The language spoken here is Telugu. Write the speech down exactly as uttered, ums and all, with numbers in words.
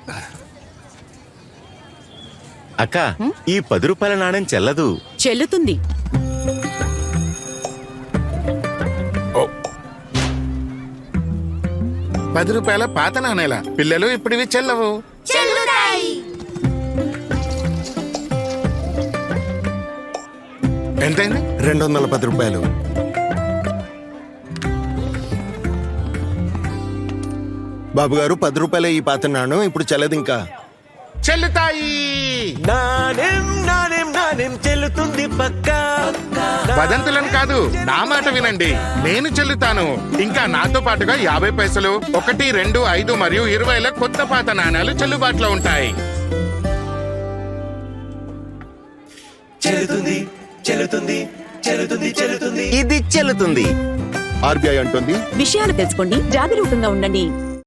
అక్క, ఈ పది రూపాయల నాణ్యం చెల్లదు. చెల్లుతుంది. పది రూపాయల పాత నాణేల పిల్లలు ఇప్పుడు ఇవి చెల్లవు. ఎంతైంది? రెండు వందల పది రూపాయలు. బాబు గారు, పది రూపాయల ఈ పాత నాణ్యం ఇప్పుడు చెల్లదు. ఇంకా చెల్లుతాయి. నాణ్యం నాణ్యం నాణ్యం చెల్లుతుంది పక్కా. వదంతులను కాదు, నా మాట వినండి. నేను చెల్లుతాను. ఇంకా నాతో పాటుగా యాభై పైసలు, ఒకటి, రెండు, ఐదు మరియు ఇరవైల కొత్త పాత నాణాలు చెల్లుబాటులో ఉంటాయి. చెల్లుతుంది చెల్లుతుంది చెల్లుతుంది చెల్లుతుంది ఇది చెల్లుతుంది. ఆర్బీఐ అంటుంది, విషయాలు తెలుసుకోండి, జాగరూకంగా ఉండండి.